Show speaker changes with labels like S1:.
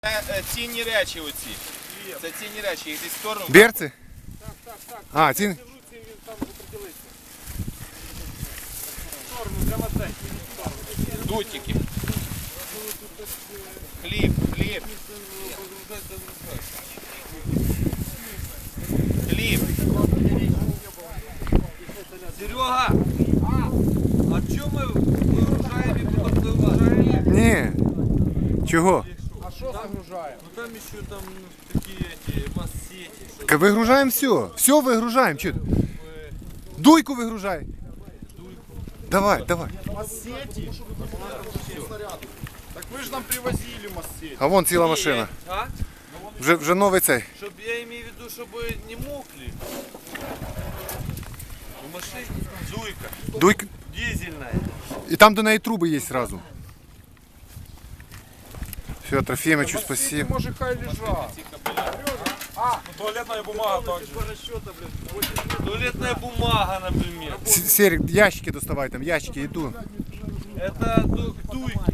S1: Цінні речі оці. Це цінні речі, їх десь в сторону.
S2: Берці?
S3: Так.
S2: А, ці.
S3: Він там определиться. В сторону, прямо цей.
S1: Дутики. Хліб. Хліб.
S4: Серега, а чому ми вигружаємо і потім вигружаємо?
S2: Ні. Чого?
S3: А що загружаємо?
S4: Ну там еще там такие эти массети.
S2: Ка вигружаємо все. Все вигружаємо. Чи? Дуйку вигружай. Давай.
S3: Массети? Так ви ж нам привозили массети.
S2: А вон ціла машина.
S4: А?
S2: Вже новий цей.
S4: Щоб я имею в виду, чтобы не мокли. В машине дуйка,
S2: Дуйка.
S4: дизельная.
S2: І там до неї труби є зразу. Все, Трофімичу, спасибо.
S3: Може хай лежать.
S5: Туалетная бумага также.
S4: Туалетная бумага, например.
S2: Серик, ящики доставай, там ящики, иду.
S4: Это дуйки.